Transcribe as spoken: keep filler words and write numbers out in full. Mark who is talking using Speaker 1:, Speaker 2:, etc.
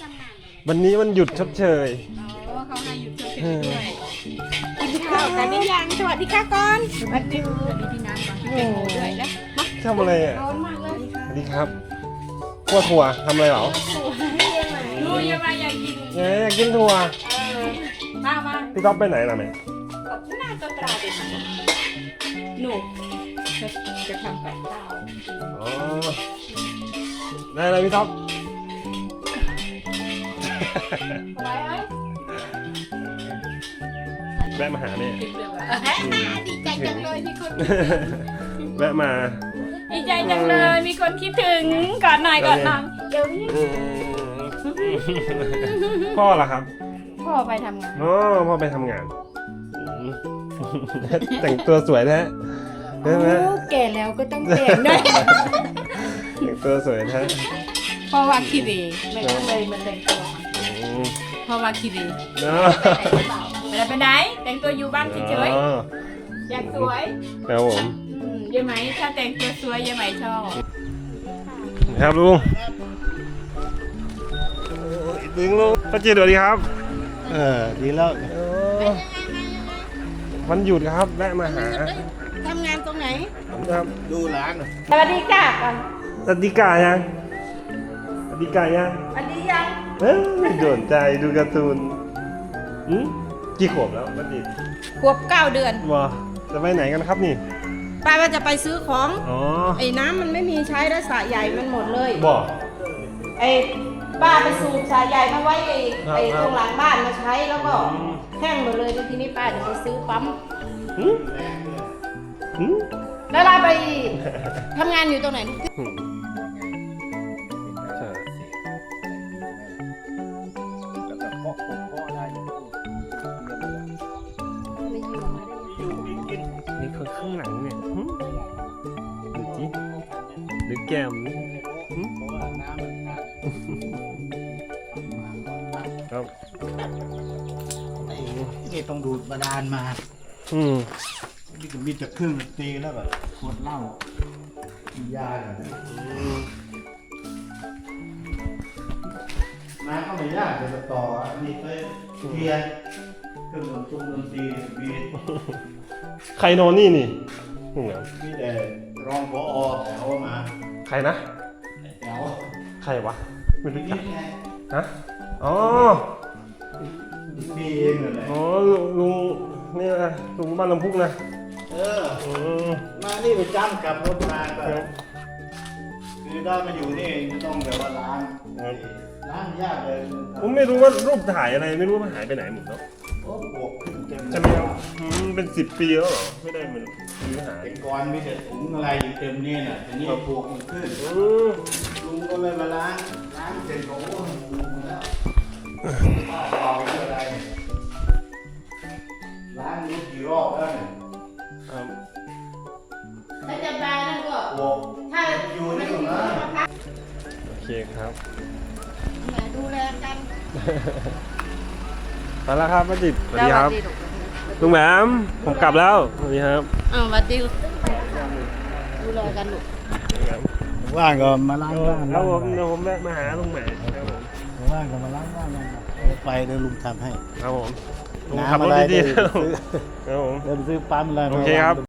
Speaker 1: ทำงานเลย
Speaker 2: วันนี้มันหยุดชดเชย
Speaker 1: อ๋อเขาให้หยุดเฉยๆด้วยกินข้าวกันหรือยังสวัสดีค่ะก่อนสวัสดีสวัสดีพี่น้ำก่อนพี่แตงโมด้วยนะมา
Speaker 2: ทำอะไรอ่ะ
Speaker 1: ร้อนมากเลย
Speaker 2: สวัสดีครับขั้วถั่วทำอะไรเหรอ
Speaker 1: ดูยังไงอยากกิน
Speaker 2: เอ๊ะอยากกินถั่ว
Speaker 1: เออมามา
Speaker 2: พี่ต๊อบไปไหนล่ะแม่
Speaker 1: หน้าก็ตราเป็นหนูจะจะทำกับข้าว
Speaker 2: อ๋อได้อะไรพี่ต๊อบ
Speaker 1: อะไรเอ้ย
Speaker 2: แวะมาหาแม่
Speaker 1: ติดเรื่องอะดีใจจังเลยมีคน
Speaker 2: แวะมา
Speaker 1: ดีใจจังเลยมีคนคิดถึงก่อนหน่อยก่อนหน่อยเดี๋ยวนี้
Speaker 2: อืมพ่อล่ะครับ
Speaker 1: พ่อไปทำงาน
Speaker 2: อ๋อพ่อไปทำงานอืมแต่งตัวสวยแท้ใช่ไหม
Speaker 1: โอ้แก่แล้วก็ต้องแต่งด้วย
Speaker 2: แต่งตัวสวยแท้
Speaker 1: พ่อว่าขี้เหร่ไม่ก็เลยมาแต่งตัว
Speaker 2: อืม
Speaker 1: พ่อว่าขี้เหร่
Speaker 2: เนาะ
Speaker 1: ไปไหนไปไหนแต่งตัวอยู่บ้านเฉย
Speaker 2: อ๋อ
Speaker 1: ๆอยากสวย
Speaker 2: ครับผม
Speaker 1: อืมยายไหมถ้าแต่งตัวสวยยายไหมชอบ
Speaker 2: ครับลุงลุงลุงป้าจีสวัสดีครับ
Speaker 3: เออดีแล้ว
Speaker 2: วันหยุดครับแวะมาหา
Speaker 1: ทำงานตรงไหน
Speaker 2: ครับ
Speaker 3: ดูร้านหน่อย
Speaker 1: สวัสดีค่ะก่อน
Speaker 2: สวัสดีกายังสวัสดีกายัง
Speaker 1: สวัสดียัง
Speaker 2: เอ้ยไม่โดนใจดูการ์ตูนอืมกี่ขวบแล้วป้าจี
Speaker 1: ขวบเก้าเดือน
Speaker 2: ว้าจะไปไหนกันครับนี่
Speaker 1: ป้าว่าจะไปซื้อของ
Speaker 2: อ๋อ
Speaker 1: ไอ้น้ำมันไม่มีใช้แล้วสระใหญ่มันหมดเลย
Speaker 2: บอก
Speaker 1: ไอ้ป้าไปสูบสายใหญ่มาไว้ไอ้
Speaker 2: ครับ
Speaker 1: ไอ้
Speaker 2: ครับ
Speaker 1: ตรงหลังบ้านมาใช้แล้วก็
Speaker 2: อืม
Speaker 1: แห้งหมดเลยแล้วทีนี้ป้าจะไปซื้อปั๊ม
Speaker 2: หืมหืม
Speaker 1: แล้วเราไปทำงานอยู่ตรงไหน
Speaker 2: หืมใช่
Speaker 3: แล้วก็เคาะผมเคาะได้เนี่ย
Speaker 1: ไม่อยู่มาได้ยังไง
Speaker 2: นี่คนข้างหลังเนี่ยหืมดูจิดูแก้มนี่หืม
Speaker 3: เพราะว่าน้ำมันขาด
Speaker 2: ครับ
Speaker 3: ไอ้นี่ต้องดูดบาดาลมา
Speaker 2: อืม
Speaker 3: นี่ก็มีแต่เครื่องดนตรีแล้วแบบขวดเหล้ากินยาเนี่ยน้ำก็ไม่ยากแต่ต่ออันนี้ไปเคลียร์เครื่องดนตรีดนตรีมี
Speaker 2: ใครนอนนี่นี่หืม
Speaker 3: มีแต่รองผอแถวมา
Speaker 2: ใครนะ
Speaker 3: แถว
Speaker 2: ใครวะไม่รู้
Speaker 3: นี่
Speaker 2: จัก
Speaker 3: ไง
Speaker 2: ฮะอ๋อ
Speaker 3: มีเองเลย
Speaker 2: อ๋อลุงนี่นะลุงบ้านลำพุกนะ
Speaker 3: เออ
Speaker 2: อืม
Speaker 3: มานี่ไปจ้ำกับรถมาก็
Speaker 2: ครับ
Speaker 3: คือได้มาอยู่นี่จะต้องแบบว่าล้าง
Speaker 2: ครับ
Speaker 3: ล้างยากเลย
Speaker 2: ผมไม่รู้ว่ารูปถ่ายอะไรไม่รู้ว่าหายไปไหนหมดแล้ว
Speaker 3: โอ้ปวกขึ้นเต็มเลย
Speaker 2: ใช่ไหมครับอืมเป็นสิบปีแล้วเหรอไม่ได้มันซื้อหาย
Speaker 3: เป็นก้อนมีแต่ถุงอะไรอยู่เต็มนี่น่ะทีนี้ปวกมันขึ้น
Speaker 2: อืม
Speaker 3: ลุงก็เลยมาล้างล้างเสร็จก็โอ้โหหมดแล้วป้าเอาไปอะไรเนี่ยล้างรู้กี่รอบแล้วเนี่ย
Speaker 2: ครับ
Speaker 1: ถ้าจะมานั่นก็
Speaker 3: ปวก
Speaker 1: ถ้า
Speaker 3: อยู่ในถุงนะ
Speaker 2: โอเคครับ
Speaker 1: มาดูแลกัน
Speaker 2: ไปแล้วครับป้าจิตสวัสดีครับลุงแหมมผมกลับแล้วสวัสดีครับ
Speaker 1: อ้าวสวัสดีดูแลกันลูก
Speaker 3: ว่างก็มาล้างบ้าน
Speaker 2: แล้วผมเดี๋ยวผมแวะมาหาลุงแหมมครับผม
Speaker 3: ว่างก็มาล้างบ้านกันไปเดี๋ยวลุงทำให้
Speaker 2: ครับผมลุง
Speaker 3: น้ำ
Speaker 2: ขับรถ
Speaker 3: อะไร
Speaker 2: ดี
Speaker 3: เดี๋ยว
Speaker 2: ๆครับผม
Speaker 3: เดินซื้อปั๊มอะไร
Speaker 2: โอเคครับ